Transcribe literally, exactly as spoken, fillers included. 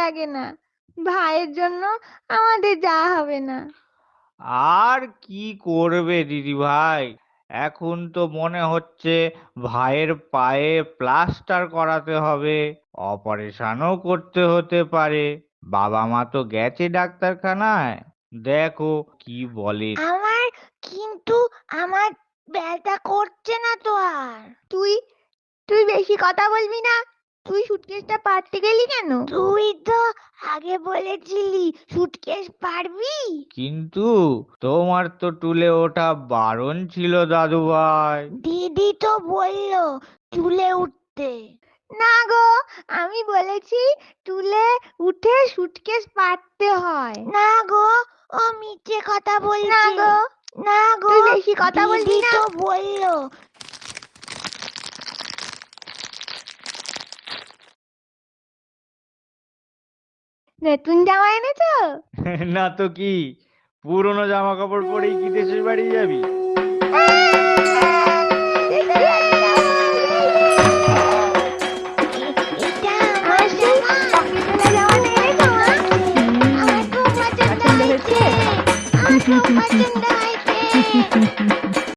লাগে না, ভাইয়ের জন্য আমাদের যাওয়া হবে না। আর কি করবে দিদি ভাই, এখন তো মনে হচ্ছে ভাইয়ের পায়ে প্লাস্টার করাতে হবে, অপারেশনও করতে হতে পারে। বাবা মা তো গেছে ডাক্তারখানায়, দেখো কি বলে। আমার কিন্তু আমার ব্যথা করছে না তো আর। তুই তুই বেশি কথা বলবি না। তুই সুটকেসটা পারতে গেলি কেন? তুই তো আগে বলেছিলি সুটকেস পারবি। কিন্তু তোমার তো টুলে ওঠা বারণ ছিল দাদু ভাই। দিদি তো বললো চুলে উঠতে। না গো, আমি বলেছি তুলে উঠে সুটকেস পারতে হয়। না গো, ও মিথ্যে কথা না বলছে। গো, না গো, তুই বেশি কথা বলবি দিদি না। তো বললো। নতুন জামা এনেছো? না তো কি, পুরনো জামা কাপড় পরেই কি দেশের বাড়ি যাবি?